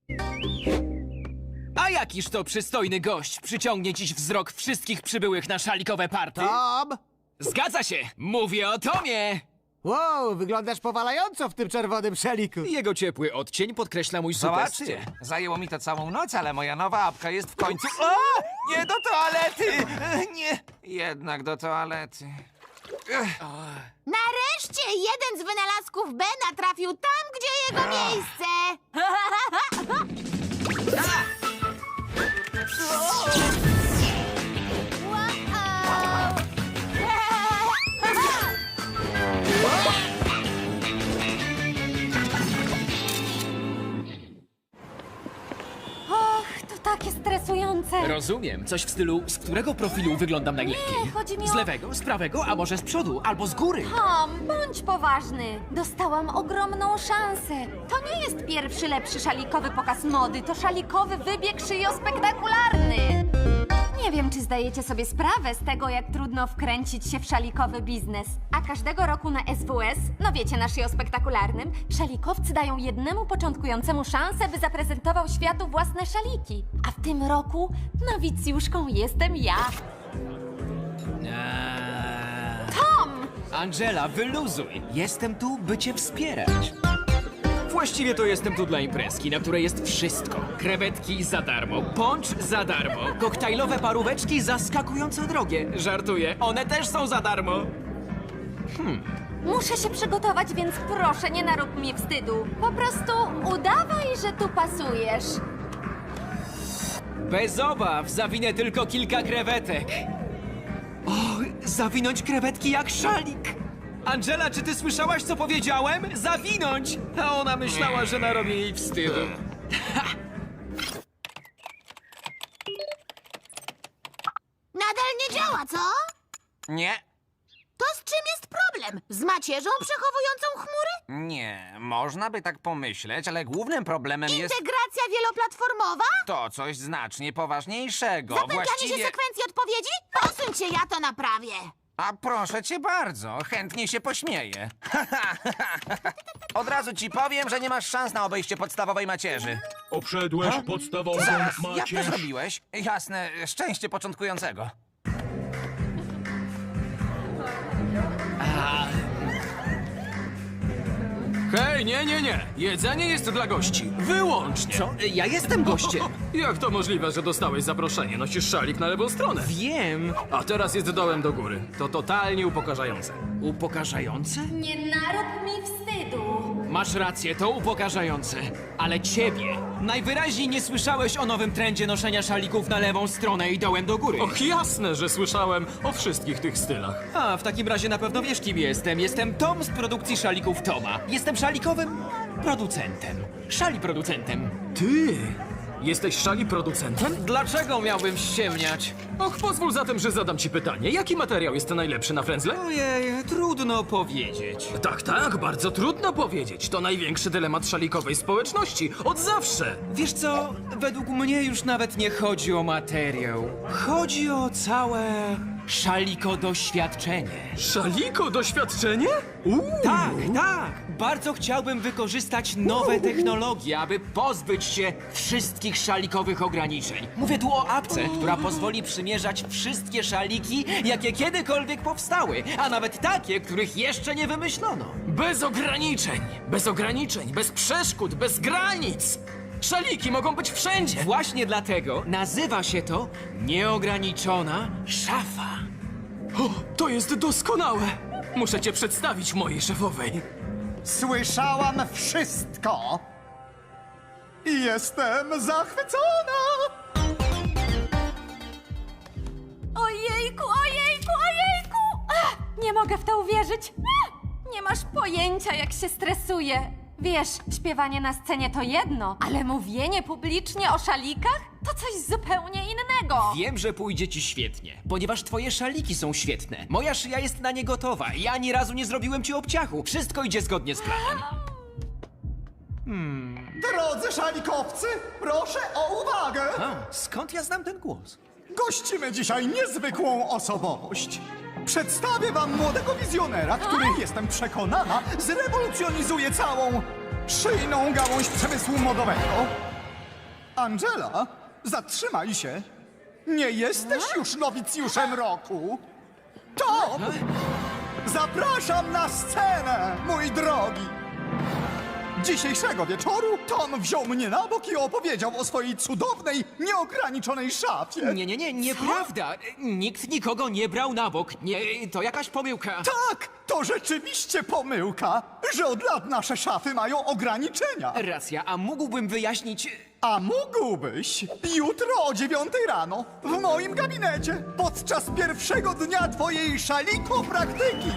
A jakiż to przystojny gość przyciągnie dziś wzrok wszystkich przybyłych na szalikowe party? Tom! Zgadza się! Mówię o Tomie! Wow, wyglądasz powalająco w tym czerwonym szaliku. Jego ciepły odcień podkreśla mój super Zobaczcie, styl. zajęło mi to całą noc, ale moja nowa apka jest w końcu... O! Nie do toalety! Nie, jednak do toalety. Nareszcie jeden z wynalazków Bena trafił tam, gdzie jego miejsce. Och, to takie stresujące. Rozumiem. Coś w stylu, z którego profilu wyglądam najlepiej? Nie, chodzi mi Z o... lewego, z prawego, a może z przodu, albo z góry? Tom, bądź poważny. Dostałam ogromną szansę. To nie jest pierwszy lepszy szalikowy pokaz mody, to szalikowy wybieg szyjospektakularny. Nie wiem, czy zdajecie sobie sprawę z tego, jak trudno wkręcić się w szalikowy biznes. A każdego roku na SWS, no wiecie, na szyjospektakularnym, szalikowcy dają jednemu początkującemu szansę, by zaprezentował światu własne szaliki. A w tym roku nowicjuszką jestem ja. Tom! Angela, wyluzuj. Jestem tu, by cię wspierać. Właściwie to jestem tu dla imprezki, na której jest wszystko. Krewetki za darmo, poncz za darmo, koktajlowe paróweczki zaskakująco drogie. Żartuję, one też są za darmo. Muszę się przygotować, więc proszę, nie narób mi wstydu. Po prostu udawaj, że tu pasujesz. Bez obaw, zawinę tylko kilka krewetek. O, zawinąć krewetki jak szalik. Angela, czy ty słyszałaś, co powiedziałem? Zawinąć! A ona myślała, że narobię jej wstydu. Nadal nie działa, co? Nie, To z czym jest problem? Z macierzą przechowującą chmury? nie, można by tak pomyśleć, ale głównym problemem jest Integracja wieloplatformowa? to coś znacznie poważniejszego. Zapętlanie się Właściwie... sekwencji odpowiedzi? Posuń się, ja to naprawię. A proszę cię bardzo, chętnie się pośmieję. Od razu ci powiem, że nie masz szans na obejście podstawowej macierzy. Obszedłeś podstawową Zaraz, jak to macierz. zrobiłeś? Jasne, szczęście początkującego. Hej, nie. Jedzenie jest dla gości. Wyłącznie. Co? Ja jestem gościem. Jak to możliwe, że dostałeś zaproszenie? Nosisz szalik na lewą stronę. Wiem. A teraz jest dołem do góry. To totalnie upokarzające. Upokarzające? Nie narób mi wstydu. Masz rację, to upokarzające. Ale ciebie najwyraźniej nie słyszałeś o nowym trendzie noszenia szalików na lewą stronę i dołem do góry. Och, jasne, że słyszałem o wszystkich tych stylach. A, w takim razie na pewno wiesz, kim jestem. Jestem Tom z produkcji szalików Toma. Jestem szalikowym producentem. Szali producentem. Ty! Jesteś szali producentem? Dlaczego miałbym ściemniać? Och, pozwól zatem, że zadam ci pytanie. Jaki materiał jest najlepszy na frędzle? Ojej, trudno powiedzieć. Tak, bardzo trudno powiedzieć. To największy dylemat szalikowej społeczności. Od zawsze. Wiesz co, według mnie już nawet nie chodzi o materiał. Chodzi o całe szaliko doświadczenie. Szaliko doświadczenie? Tak. Bardzo chciałbym wykorzystać nowe technologie, aby pozbyć się wszystkich szalikowych ograniczeń. Mówię tu o apce, która pozwoli przymierzać wszystkie szaliki, jakie kiedykolwiek powstały, a nawet takie, których jeszcze nie wymyślono. Bez ograniczeń, bez przeszkód, bez granic. Szaliki mogą być wszędzie. Właśnie dlatego nazywa się to nieograniczona szafa. O, to jest doskonałe. Muszę cię przedstawić mojej szefowej. Słyszałam wszystko! I jestem zachwycona! Ojejku! Ach, nie mogę w to uwierzyć. Nie masz pojęcia, jak się stresuję. Wiesz, śpiewanie na scenie to jedno, ale mówienie publicznie o szalikach to coś zupełnie innego. Wiem, że pójdzie ci świetnie, ponieważ twoje szaliki są świetne. Moja szyja jest na nie gotowa i ani razu nie zrobiłem ci obciachu. Wszystko idzie zgodnie z planem. Drodzy szalikowcy, proszę o uwagę! A, skąd ja znam ten głos? Gościmy dzisiaj niezwykłą osobowość. Przedstawię wam młodego wizjonera, który, jestem przekonana, zrewolucjonizuje całą szyjną gałąź przemysłu modowego. Angela, zatrzymaj się. Nie jesteś już nowicjuszem roku. Tom! Zapraszam na scenę, mój drogi. Dzisiejszego wieczoru Tom wziął mnie na bok i opowiedział o swojej cudownej, nieograniczonej szafie. Nie, nieprawda. Nikt nikogo nie brał na bok. Nie, to jakaś pomyłka. Tak, to rzeczywiście pomyłka, że od lat nasze szafy mają ograniczenia. Racja, a mógłbym wyjaśnić... A mógłbyś jutro o 9 rano w moim gabinecie podczas pierwszego dnia twojej szaliko-praktyki.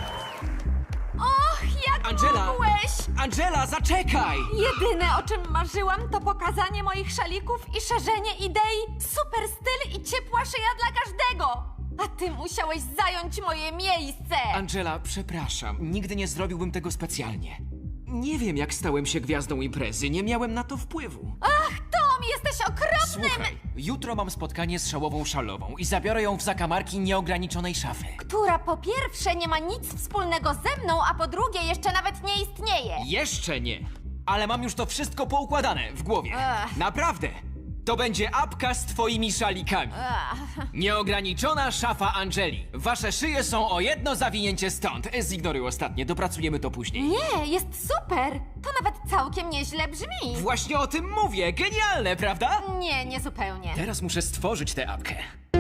Och, jak Angela! mogłeś! Angela, zaczekaj! Jedyne, o czym marzyłam, to pokazanie moich szalików i szerzenie idei super styl i ciepła szyja dla każdego. A ty musiałeś zająć moje miejsce. Angela, przepraszam. Nigdy nie zrobiłbym tego specjalnie. Nie wiem, jak stałem się gwiazdą imprezy. Nie miałem na to wpływu. Ach, Tom, jesteś okropnym! Słuchaj, jutro mam spotkanie z szałową szalową i zabiorę ją w zakamarki nieograniczonej szafy. Która po pierwsze nie ma nic wspólnego ze mną, a po drugie jeszcze nawet nie istnieje. Jeszcze nie. Ale mam już to wszystko poukładane w głowie. Ech. Naprawdę. To będzie apka z twoimi szalikami. Nieograniczona szafa Angeli. Wasze szyje są o jedno zawinięcie stąd. Zignoruj ostatnie, dopracujemy to później. Nie, jest super. To nawet całkiem nieźle brzmi. Właśnie o tym mówię. Genialne, prawda? Nie, nie zupełnie. Teraz muszę stworzyć tę apkę.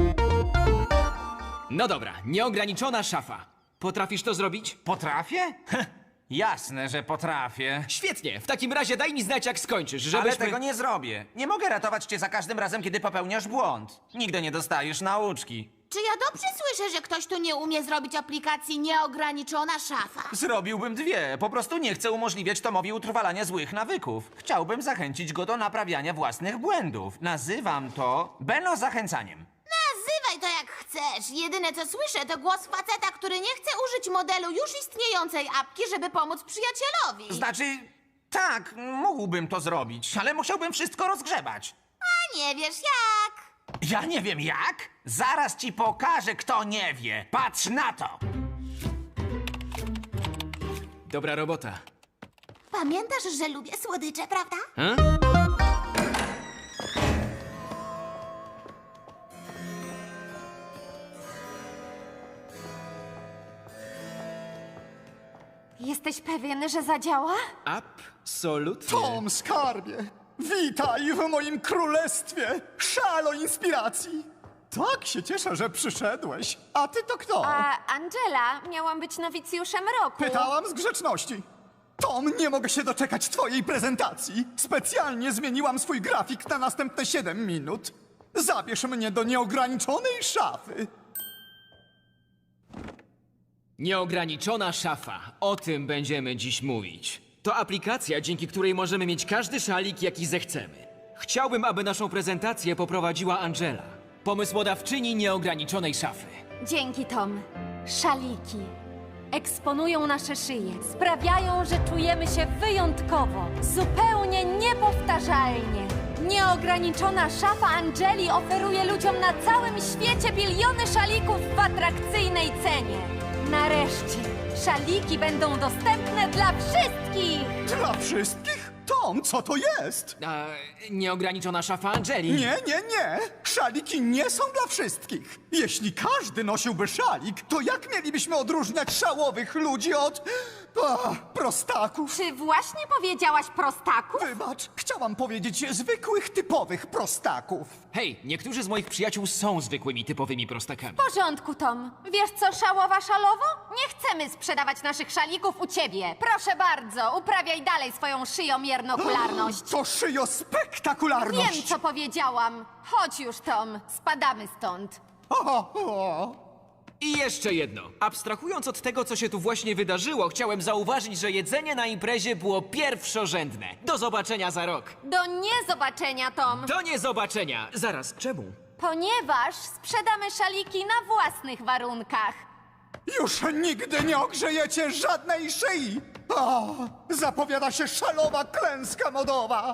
No dobra, nieograniczona szafa. Potrafisz to zrobić? Potrafię? Jasne, że potrafię. Świetnie, w takim razie daj mi znać, jak skończysz, Ale żebyśmy... tego nie zrobię. Nie mogę ratować cię za każdym razem, kiedy popełniasz błąd. Nigdy nie dostajesz nauczki. Czy ja dobrze słyszę, że ktoś tu nie umie zrobić aplikacji nieograniczona szafa? Zrobiłbym dwie. Po prostu nie chcę umożliwiać Tomowi utrwalania złych nawyków. Chciałbym zachęcić go do naprawiania własnych błędów. Nazywam to zachęcaniem. Nazywaj to jak chcesz. Jedyne co słyszę to głos faceta, który nie chce użyć modelu już istniejącej apki, żeby pomóc przyjacielowi. Znaczy, tak, mógłbym to zrobić, ale musiałbym wszystko rozgrzebać. A nie wiesz jak? Ja nie wiem jak? Zaraz ci pokażę, kto nie wie. Patrz na to! Dobra robota. Pamiętasz, że lubię słodycze, prawda? Jesteś pewien, że zadziała? Absolutnie. Tom, skarbie, witaj w moim królestwie szalo inspiracji. Tak się cieszę, że przyszedłeś. A ty to kto? A Angela, miałam być nowicjuszem roku. Pytałam z grzeczności. Tom, nie mogę się doczekać twojej prezentacji. Specjalnie zmieniłam swój grafik na następne 7 minut. Zabierz mnie do nieograniczonej szafy. Nieograniczona szafa. O tym będziemy dziś mówić. To aplikacja, dzięki której możemy mieć każdy szalik, jaki zechcemy. Chciałbym, aby naszą prezentację poprowadziła Angela, pomysłodawczyni nieograniczonej szafy. Dzięki, Tom. Szaliki eksponują nasze szyje, sprawiają, że czujemy się wyjątkowo, zupełnie niepowtarzalnie. Nieograniczona szafa Angeli oferuje ludziom na całym świecie biliony szalików w atrakcyjnej cenie. Nareszcie, szaliki będą dostępne dla wszystkich! Dla wszystkich? Tom, co to jest? A nieograniczona szafa Angeli. Nie, nie, nie! Szaliki nie są dla wszystkich! Jeśli każdy nosiłby szalik, to jak mielibyśmy odróżniać szałowych ludzi od... prostaków? Czy właśnie powiedziałaś prostaków? Wybacz, chciałam powiedzieć zwykłych, typowych prostaków. Hej, niektórzy z moich przyjaciół są zwykłymi, typowymi prostakami. W porządku, Tom. Wiesz co, szałowa szalowo? Nie chcemy sprzedawać naszych szalików u ciebie. Proszę bardzo, uprawiaj dalej swoją szyjomiernokularność. To szyjospektakularność! Wiem, co powiedziałam. Chodź już, Tom. Spadamy stąd. O. I jeszcze jedno. Abstrahując od tego, co się tu właśnie wydarzyło, chciałem zauważyć, że jedzenie na imprezie było pierwszorzędne. Do zobaczenia za rok. Do niezobaczenia, Tom. Do niezobaczenia. Zaraz, czemu? Ponieważ sprzedamy szaliki na własnych warunkach. Już nigdy nie ogrzejecie żadnej szyi! O, zapowiada się szalowa klęska modowa!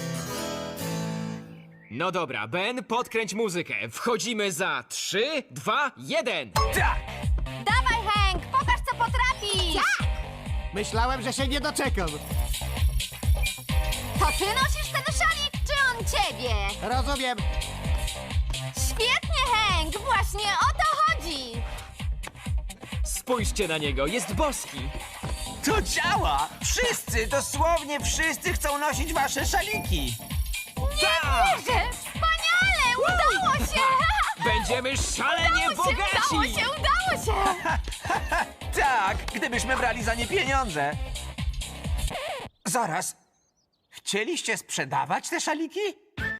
No dobra, Ben, podkręć muzykę. Wchodzimy za 3, 2, 1. Tak! Dawaj, Hank, pokaż, co potrafisz. Myślałem, że się nie doczekam. To ty nosisz ten szalik, czy on ciebie? Rozumiem. Świetnie, Hank! Właśnie o to chodzi! Spójrzcie na niego, jest boski. To działa! Wszyscy, dosłownie wszyscy chcą nosić wasze szaliki. Wierzę! Wspaniale! Udało się! Będziemy szalenie Udało bogaci! się! Udało się! Tak, gdybyśmy brali za nie pieniądze. Zaraz. Chcieliście sprzedawać te szaliki?